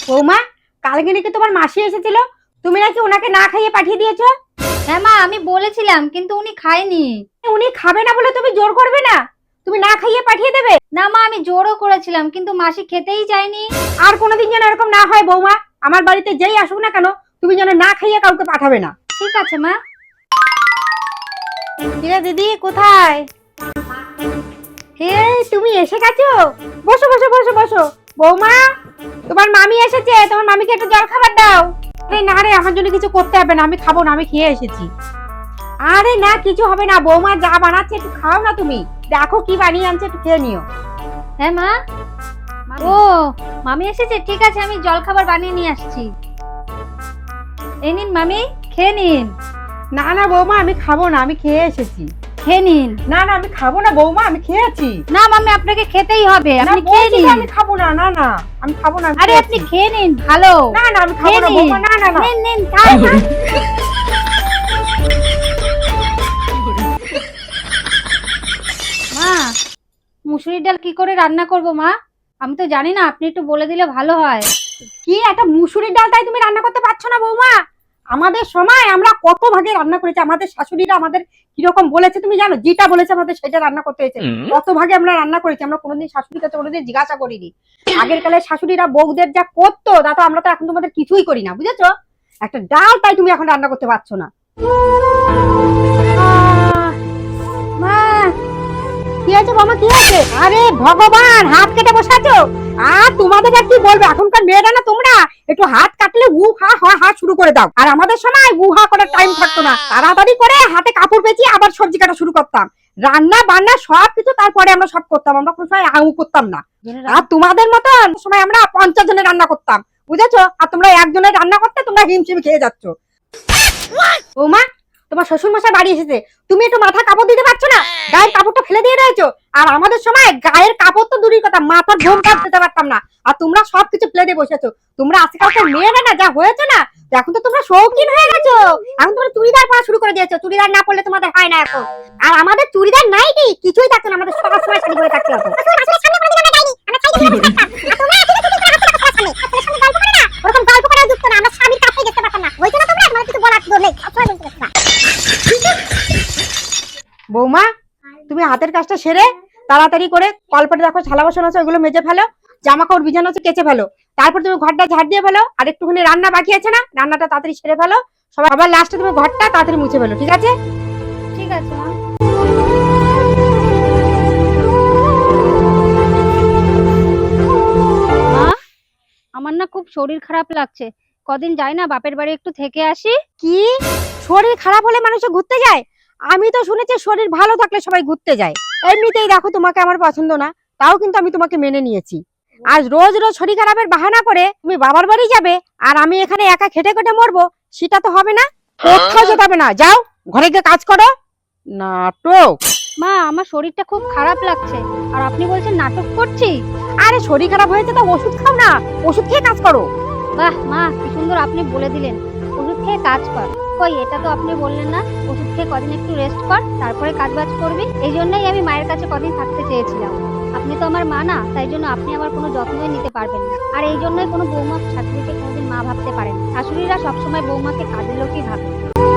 বৌমা, কালকে নাকি তোমার মাসি এসেছিল, তুমি নাকি ওনাকে না খাইয়ে পাঠিয়ে দিয়েছো? হ্যাঁ মা, আমি বলেছিলাম কিন্তু উনি খায়নি। উনি খাবে না বলে তুমি জোর করবে না? তুমি না খাইয়ে পাঠিয়ে দেবে? না মা, আমি জোরও করেছিলাম কিন্তু মাসি খেতেই চায়নি। আর কোনোদিন যেন এরকম না হয় বৌমা, আমার বাড়িতে যেই আসুক না কেন তুমি যেন না খাইয়ে কাউকে পাঠাবে না। ঠিক আছে মা। কিরে দিদি, কোথায়? এই তুমি এসে গেছো? বসো বসো বসো বসো। বৌমা, তোমার মামি এসেছে, তোমার মামিকে একটু জল খাবার দাও। আরে না রে, আমার জন্য কিছু করতে হবে না, আমি খাবো না, আমি খেয়ে এসেছি। আরে না, কিছু হবে না, বৌমা যা বানাচ্ছে একটু খাও না তুমি। দেখো কি বানিয়ে আনছে, একটু খেয়ে নিও। হ্যাঁ মা। ও, মামি এসেছে, ঠিক আছে, আমি জল খাবার বানিয়ে নিয়ে আসছি। এই নিন মামি, খেয়ে নিন। না না বৌমা, আমি খাবো না, আমি খেয়ে এসেছি। খেয়ে নিন। না না, আমি খাবো না বৌমা, আমি খেয়েছি। না মামি, আপনাকে খেতেই হবে, না, আপনি খেয়ে বলছি নিন। তো আমি খাবো না। না না, আমি খাবো না, আমি আরে খেয়েছি। আপনি খেয়ে নিন, ভালো। না না, আমি খাবো খেয়ে না নিন। বৌমা, না না না। নিন নিন, খান খান। মা, মুসুরির ডাল কি করে রান্না করব মা? আমি তো জানি না, আপনি একটু বলে দিলে ভালো হয়। কি একটা মুসুরির ডাল তাই তুমি রান্না করতে পারছো না বৌমা? আমাদের সময় আমরা কত ভাগে রান্না করেছি, আমাদের শাশুড়িরা আমাদের কিরকম বলেছে তুমি জানো? যেটা বলেছে আমাদের সেটা রান্না করতে হয়েছে। কত ভাগে আমরা রান্না করেছি, আমরা কোনোদিন শাশুড়ির কাছে কোনোদিন জিজ্ঞাসা করিনি। আগের কালে শাশুড়িরা বউদের যা করতো তা তো আমরা তো এখন তোমাদের কিছুই করি না, বুঝেছো? একটা ডাল তাই তুমি এখন রান্না করতে পারছো না। মা, কি হয়েছে বাবা, কি হয়েছে? আরে ভগবান, হাত কেটে বসাছো? আর তোমাদের আর কি বলবো, এখনকার মেয়েরা না, তোমরা একটু হাত কাটলে উ হা হা হা শুরু করে দাও। আর আমাদের সময় উ হা করার টাইম থাকতো না, তাড়াতাড়ি করে হাতে কাপড় পেঁচিয়ে আবার সবজি কাটা শুরু করতাম। রান্না বান্না সব কিছু তারপরে আমরা সব করতাম, আমরা কোনো সময় আউ করতাম না। আর তোমাদের মতন সময় আমরা 50 জনের রান্না করতাম, বুঝেছো? আর তোমরা একজনের রান্না করতে তোমরা হিমশিম খেয়ে যাচ্ছ। বৌমা, তোমার শ্বশুর মশাই বাড়ি এসেছে, তুমি একটু মাথা কাপড় দিতে পারছো না? গায়ের কাপড়টা ফেলে দিয়ে রয়েছো। আর আমাদের সময় গায়ের কাপড় তো দূরের কথা, মাথার ঘোম কাট দিতে পারতাম না, আর তোমরা সবকিছু ফেলে দিয়ে বসেছো। তোমরা আজকালকার মেয়েরা না যা হয়েছে না, এখন তো তোমরা শৌখিন হয়ে গেছো। এখন তোমরা চুড়িদার পরা শুরু করে দিয়েছো, চুড়িদার না পরলে তোমাদের হয় না এখন। আর আমাদের চুড়িদার নাই কি কিছুই থাকতো না, আমাদের সব সময় শাড়ি পরে থাকতে হতো। ওরকম গল্প করে যুক্ত না, আমরা স্বামীর কাছেই দেখতে পারতাম না, হয়েছে না? তোমরা আমার কিছু বলার নেই, সবসময় বলতে থাকবা। বৌমা, তুমি হাতের কাজটা সেরে তাড়াতাড়ি করে কলপাটে দেখো থালা বাসন আছে ওইগুলো মেজে ফেলো, জামা কাপড় বিছানো আছে কেচে ফেলো, তারপর তুমি ঘরটা ঝাড় দিয়ে ফেলো, আর একটুখানি রান্না বাকি আছে না, রান্নাটা তাড়াতাড়ি সেরে ফেলো। সবার লাস্টে তুমি ঘরটা তাড়াতাড়ি মুছে ফেলো, ঠিক আছে? ঠিক আছে মা। মা, আমার না খুব শরীর খারাপ লাগছে, কদিন যাই না বাপের বাড়ি একটু থেকে আসি। কি, শরীর খারাপ হলে মানুষ ঘুরতে যায়? আমি তো শুনেছি শরীর ভালো থাকলে সবাই ঘুরতে যায়। এমনিতেই দেখো তোমাকে আমার পছন্দ না, তাও কিন্তু আমি তোমাকে মেনে নিয়েছি। আজ রোজ রোজ শরীর খারাপের বাহানা করে তুমি বাবার বাড়ি যাবে, আর আমি এখানে একা খেটে খেটে মরবো, সেটা তো হবে না। কোথাও যেতে হবে না, যাও ঘরে গিয়ে কাজ করো। নাটক! মা, আমার শরীরটা খুব খারাপ লাগছে আর আপনি বলছেন নাটক করছি? আরে শরীর খারাপ হয়েছে তো ওষুধ খাও না, ওষুধ খেয়ে কাজ করো। বাহ মা, কি সুন্দর আপনি বলে দিলেন, ওষুধ খেয়ে কাজ কর। কই, এটা তো আপনি বললেন না ওষুধ খেয়ে কদিন একটু রেস্ট কর তারপরে কাজ বাজ করবি? এই জন্যই আমি মায়ের কাছে কদিন থাকতে চেয়েছিলাম। আপনি তো আমার মা না, তাই জন্য আপনি আমার কোনো যত্নই নিতে পারবেন না। আর এই জন্যই কোনো বৌমা শাশুড়িকে কোনোদিন মা ভাবতে পারেন না। শাশুড়িরা সবসময় বৌমাকে কাজের লোকই ভাবে।